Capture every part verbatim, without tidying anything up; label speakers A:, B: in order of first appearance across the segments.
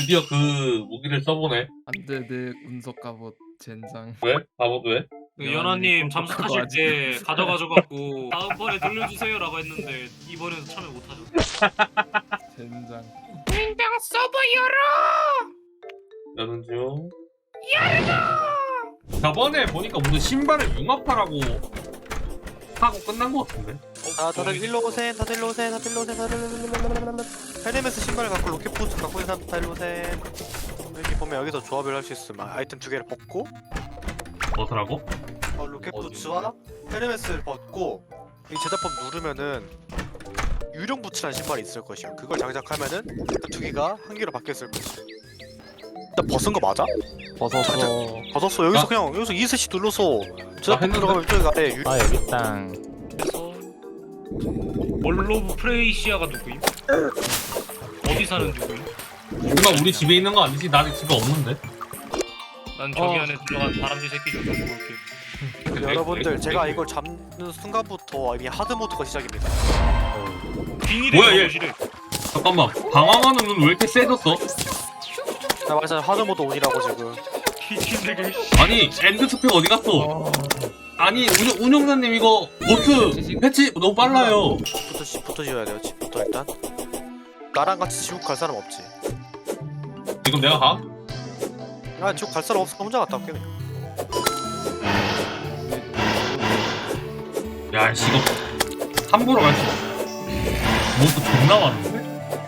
A: 드디어 그 무기를 써보네.
B: 안돼 내 운석 갑옷 젠장.
A: 왜? 바보도 왜?
C: 그 연하님 잠수
B: 그거
C: 타실
B: 아직-
C: 때 가져가져갖고 다음번에 돌려주세요라고 했는데 이번에도 참여 못하죠.
B: 젠장.
C: 인당 서버 열어!
A: 여는 중. 저번에 보니까 무슨 신발을 융합하라고 하고 끝난 것 같은데?
D: 아 다들 일로 오셈 다들 일로 오셈 다들 일로 오셈 다들 일로 오셈. 헤르메스 신발을 갖고 로켓 부츠 갖고 있는 사람 다 일로 오셈. 이렇게 보면 여기서 조합을 할 수 있음. 아, 아이템 두 개를 벗고
A: 뭐더라고?
D: 어, 로켓 부츠와 헤르메스를 벗고 이 제작법 누르면은 유령 부츠라는 신발이 있을 것이야. 그걸 장착하면은 그 두 개가 한 개로 바뀌었을 것이야. 일단 벗은 거 맞아?
E: 벗었어.
D: 벗었어. 여기서
A: 아.
D: 그냥 여기서 이슬씨 눌러서 제작법
A: 했는데?
D: 들어가면 저기 아래 유...
E: 아 여기 땅.
C: 그래서 월로브 프레이시아가 누구임? 어디 사는 누구임?
A: 누가 우리 집에 있는 거 아니지? 나 아직 집에 없는데?
C: 난 저기
D: 어.
C: 안에 들어간 다람쥐 새끼 좀 죽을게.
D: 여러분들 제가 이걸 잡는 순간부터 이미 하드 모드가 시작입니다.
C: 빙의를
A: 뭐야, 얘?
C: 잡으시래.
A: 잠깐만, 방황하는 눈 왜 이렇게 세졌어?
D: 나 말했잖아 하드 모드 온이라고 지금.
C: 비키들이
A: 아니, 엔드 스펙 어디 갔어? 아니, 운영, 운영자님 이거 보트 패치 너무 빨라요.
D: 집부터 집부터 지어야 돼요. 집부터 일단. 나랑 같이 지옥 갈 사람 없지.
A: 지금 내가 가?
D: 아 지옥 갈 사람 없으면 혼자 갔다 올게. 그냥.
A: 야, 씨, 이거 함부로 갈 수 없어. 몬스터 존나 많은데?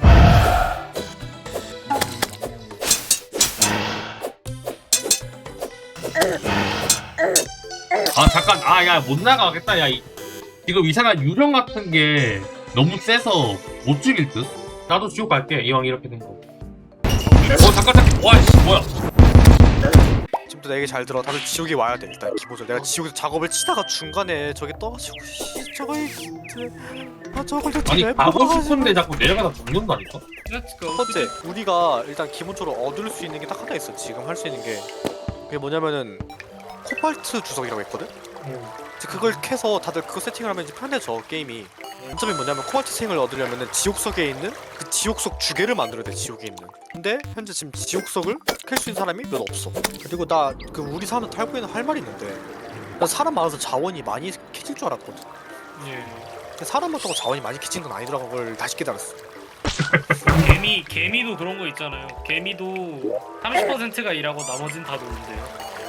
A: 아, 잠깐. 아, 야, 못 나가겠다. 야, 이, 지금 이상한 유령 같은 게 너무 세서 못 죽일 듯? 나도 지옥 갈게. 이왕 이렇게 된 거. 어, 잠깐, 잠깐. 와, 씨, 뭐야.
D: 지금부터 내 얘기 잘 들어. 다들 지옥에 와야 돼. 일단 기본적으로 내가 지옥에서 작업을 치다가 중간에 저기 떠가지고 씨, 저거 이- 아 저걸 저
A: 아니,
D: 왜
A: 가고
D: 뽑아가지고.
A: 싶은데 자꾸 내려가다 죽는다니까?
C: Let's go.
D: 첫 번째, 우리가 일단 기본적으로 얻을 수 있는 게 딱 하나 있어. 지금 할 수 있는 게 그게 뭐냐면은 코발트 주석이라고 있거든. 이제 그걸 캐서 다들 그거 세팅을 하면 이제 편해져 게임이. 점이 뭐냐면 코발트 생을 얻으려면은 지옥석에 있는 그 지옥석 주개를 만들어야 돼. 지옥에 있는. 근데 현재 지금 지옥석을 캘 수 있는 사람이 몇 없어. 그리고 나 그 우리 사람들 탈고 있는 할 말이 있는데 나 사람 많아서 자원이 많이 캐질 줄 알았거든.
C: 예.
D: 근데 사람 많다고 자원이 많이 캐진 건 아니더라고. 그걸 다시 깨달았어.
C: 개미 개미도 그런 거 있잖아요. 개미도 삼십 퍼센트가 일하고 나머진 다 노는데요.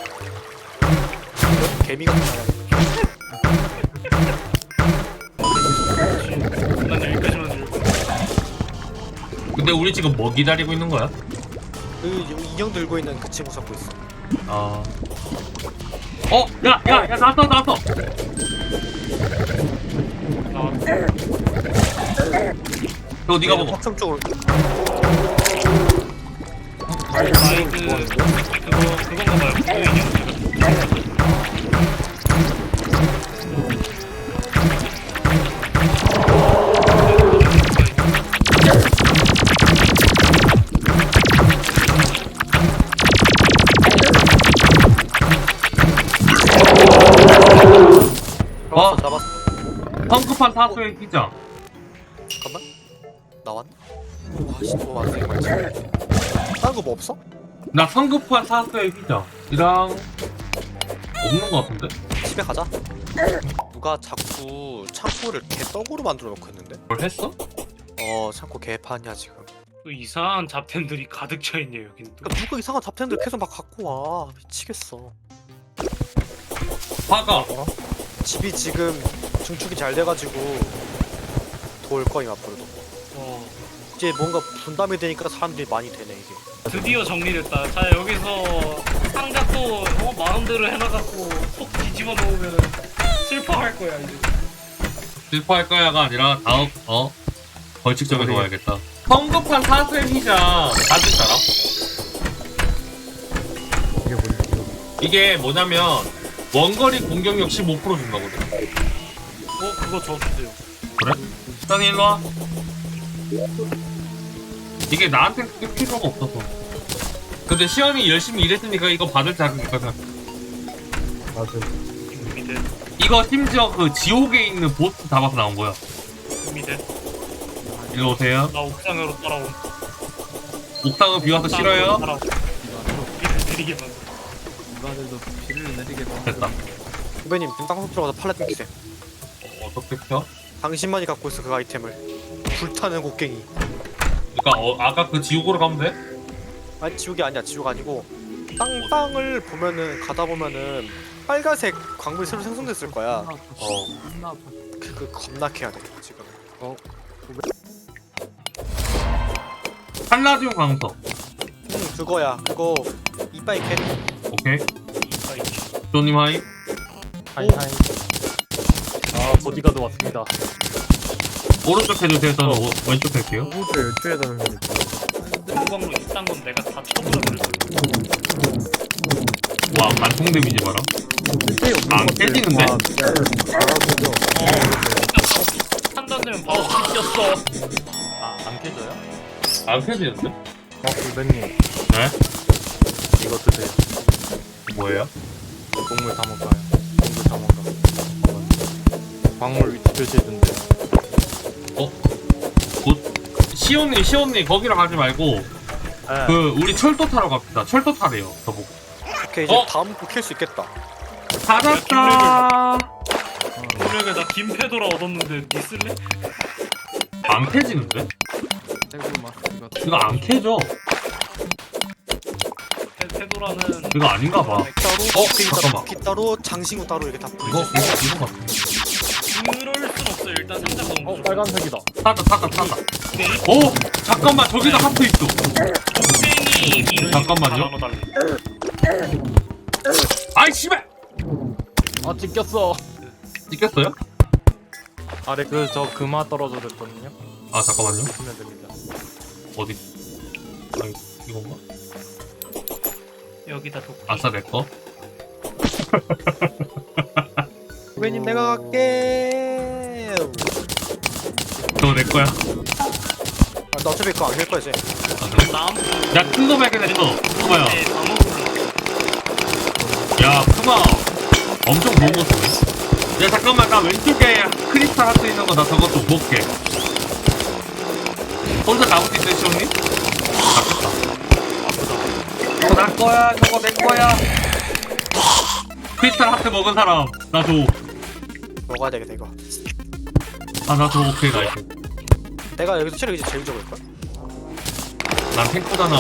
D: 개미가 나와.
C: 난 여기까지만 들고.
A: 근데 우리 지금 뭐 기다리고 있는 거야?
D: 그 인형 들고 있는 그 친구 잡고 있어.
A: 아. 어, 야, 야, 야, 나왔어, 나왔어.
C: 나
A: 너 네가 먹어.
D: 확정 쪽으로.
C: 마이크 그거 그건가 봐요. 그 인형.
D: 잡았어,
A: 어?
D: 잡았어.
A: 성급한 사수의 기장.
D: 잠깐만. 나왔나? 와씨 너무 많은 거 말지. 다른 거 뭐 없어?
A: 나 성급한 사수의 기장이랑 없는 거 같은데?
D: 집에 가자. 누가 자꾸 창고를 개떡으로 만들어 놓고 있는데?
A: 뭘 했어?
D: 어 창고 개판이야 지금.
C: 그 이상한 잡템들이 가득 차 있네요 여긴 또.
D: 그러니까 누가 이상한 잡템들 계속 막 갖고 와. 미치겠어.
A: 화가.
D: 집이 지금 증축이 잘 돼가지고 돌 거임 앞으로도.
C: 어,
D: 이제 뭔가 분담이 되니까 사람들이 많이 되네 이게.
C: 드디어 정리됐다. 자 여기서 상자 또 어, 마음대로 해놔갖고 속 뒤집어 놓으면 슬퍼할 거야 이제.
A: 슬퍼할 거야가 아니라 다음, 어? 벌칙적에서 와야겠다. 성급한 사수의 기장. 다들 알아?
E: 이게 뭐지?
A: 이게 뭐냐면, 원거리 공격력 십오 퍼센트 준다거든.
C: 어 그거 저 주세요.
A: 그래? 시장이 일로 와. 이게 나한테 그게 필요가 없어서. 근데 시험이 열심히 일했으니까 이거 받을 자격이 있거든.
E: 맞아.
C: 밑에
A: 이거 심지어 그 지옥에 있는 보스 잡아서 나온 거야.
C: 밑에
A: 일로 오세요.
C: 나 옥상으로 따라온.
A: 옥상은 비 와서 싫어요?
C: 비를 내리게 만들.
B: 누가들도 비를 내리게 만
A: 됐다.
D: 후배님 땅속 들어가서 팔레트 키세요.
A: 어떻게 펴?
D: 당신만이 갖고 있어 그 아이템을. 불타는 곡괭이.
A: 그니까 어, 아까 그 지옥으로 가면 돼?
D: 아니 지옥이 아니야. 지옥 아니고 땅 땅을 보면은 가다 보면은 빨간색 광물이 새로 생성됐을 거야.
B: 어. 겁나 아파.
D: 그, 그 겁나 캐야 돼 지금.
A: 한라디움 강서.
D: 응 그거야. 그거 이빠이 캐.
A: 오케이. 조님 하이.
E: 하이 하이. 아 보디가드 왔습니다.
A: 오른쪽 해주세요. 저는 오, 왼쪽 할게요.
E: 누구도 연주에 다는 거니까.
C: 공광로 이딴 건 내가 다 쳐버려버릴
A: 와, 반통 데미지 봐라. 안 깨지는데?
E: 알아보죠.
C: 판단되면 바로 뒤졌어.
E: 아안 깨져요?
A: 안 펴지는데?
E: 어 선배님
A: 네?
E: 이거 드세요.
A: 뭐예요?
E: 동물 다 먹어요. 동물 다 먹어. 광물 위치 표시해준대.
A: 어? 곧 시온님, 시온님 거기로 가지 말고
E: 네.
A: 그 우리 철도 타러 갑시다. 철도 타래요. 저보고.
D: 오케이 이제
A: 어?
D: 다음 거 캘 수 있겠다.
A: 찾았다.
C: 분명히 나 김페도라 얻었는데 니 쓸래?
A: 안 캐지는데?
B: 대구 마스크가
A: 이거 안 캐져.
C: 페, 페도라는
A: 이거 아닌가 봐.
D: 따로
A: 어?
D: 곡괭이
A: 잠깐만.
D: 따로 기 따로 장신구 따로 이렇게 다
A: 이거
D: 뿌리고.
A: 이거 이거 같은데.
C: 그럴 순 없어. 일단 상자 넣은
E: 어
C: 거.
E: 빨간색이다.
A: 찾았다, 찾았다, 찾았다.
C: 네.
A: 오! 잠깐만, 저기도 하트 있어.
C: 곡괭이 이름이
A: 잠깐만요.
C: 다 나눠달래.
A: 아이 씨발!
E: 아 찍혔어.
A: 찍혔어요?
E: 아래 그 저 금화 떨어져 됐거든요.
A: 아 잠깐만요.
E: 보시면 됩니다.
A: 어디? 아 이건가?
C: 여기다 독.
A: 아싸 내 거.
D: 후배님 내가 갈게.
A: 저거 내 거야.
D: 아, 나 어차피 그거 안 캘 거야 이제.
A: 아, 그래?
C: 남.
A: 야 큰 거 발견했어. 푸마야.
C: 네, 다 먹을래.
A: 야 푸마. 엄청 좋은 거 쓰네. 야 잠깐만 나 왼쪽에 크리스탈 하트 있는 거 나 저거 좀 먹게. 혼자 잡을 수 있어요 시온님? 잡겠다. 저거 내 거야. 저거 내 거야. 크리스탈 하트 먹은 사람 나 줘.
D: 먹어야 되겠다 이거.
A: 아 나 줘. 오케이 나이스.
D: 내가 여기서 체력 이제 제일 적을 거야.
A: 난 탱커잖아.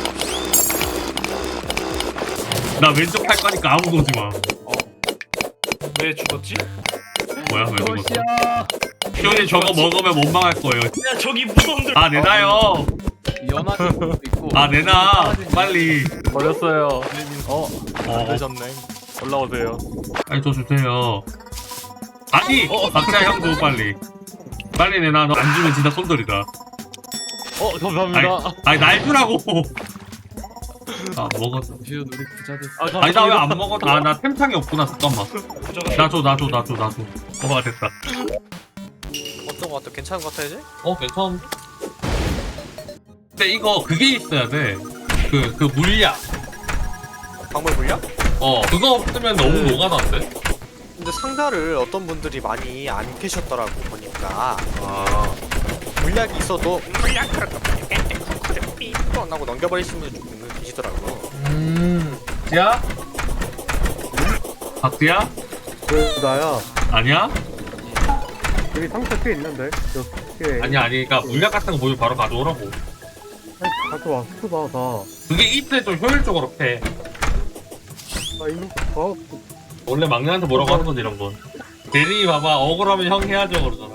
A: 나 왼쪽 탈 거니까 아무도 오지 마.
C: 왜 죽었지?
A: 뭐야 왜 죽었어? 시온이 저거 먹으면 원망할 거예요.
C: 야 저기 무덤들.
A: 아 내놔요.
B: 연하도 있고.
A: 아 내놔. 빨리.
E: 버렸어요. 어
A: 어.
E: 되셨네. 올라오세요.
A: 빨리 저 주세요. 아니 박자 형 줘 빨리. 빨리 내놔. 너 안 주면 진짜 손들이다.
E: 어 감사합니다.
A: 아니 날 주라고. 아 먹었어.
B: 뷰 우리 부자 됐어.
E: 아, 감사합니다.
A: 아니 나 왜 안 먹었어? 아나 템창이 없구나. 잠깐만.
C: 부자가
A: 나 줘 나 줘 나 줘 나 줘. 어 됐다.
D: 어떤 거 같아? 괜찮은 거 같아 이제?
A: 어 괜찮은데? 근데 이거 그게 있어야 돼. 그 그 물약.
D: 광물 물량?
A: 어 그거 없으면 너무 노가다인데?
D: 근데 상자를 어떤 분들이 많이 안 캐셨더라고 보니까.
A: 아
D: 물약이 있어도 물약 그럴까 삐삐 하고 넘겨버리시는 분들 좀 계시더라고.
A: 음. 야? 박두야?
E: 그 나야.
A: 아니야?
E: 여기 상처 꽤 있는데. 저 꽤.
A: 아니야 아니 그니까 물약 같은 거 보면 바로 가져오라고.
E: 아니, 가져와. 스쿠바 다.
A: 그게 이때 좀 효율적으로 패.
E: 아 이거 어
A: 원래 막내한테 뭐라고 하는 건데 이런 건. 대리 봐봐 억울하면 형 해야죠 그러잖아.